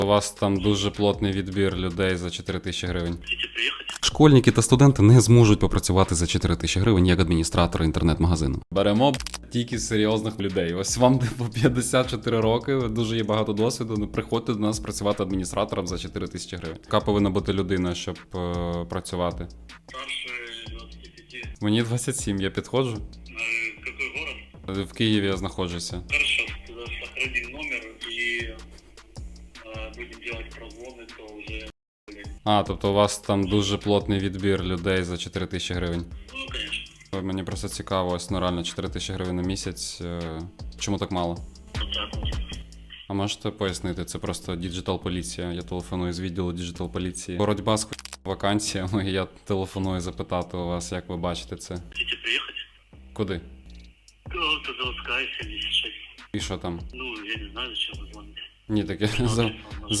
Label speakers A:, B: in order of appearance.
A: У вас там дуже плотний відбір людей за 4000 гривень.
B: Хотите приехать?
A: Школьники та студенти не зможуть попрацювати за 4000 гривень як адміністратори інтернет-магазину. Беремо тільки серйозних людей. Ось вам по 54 роки, дуже є багато досвіду. Не приходьте до нас працювати адміністратором за 4000 гривень. Яка повинна бути людина, щоб працювати?
B: Старше 25.
A: Мені 27, я підходжу.
B: Какой город?
A: В Києві я знаходжуся.
B: Хорошо, тогда сохраним номер и будем делать прозвоны, то уже...
A: А, тобто у вас там дуже плотний відбір людей за 4000 гривень.
B: Ну, конечно.
A: Мені просто цікаво, ось ну реально 4000 гривень на місяць. Чому так мало?
B: Вот так вот.
A: А можете пояснити, це просто діджитал-поліція. Я телефоную з відділу діджитал-поліції. Боротьба з вакансіями, і я телефоную запитати у вас, як ви бачите це.
B: Хотите приехать?
A: Куди?
B: Это заводская 76.
A: І що там?
B: Ну, я не знаю, зачем вы звоните.
A: Ні, таке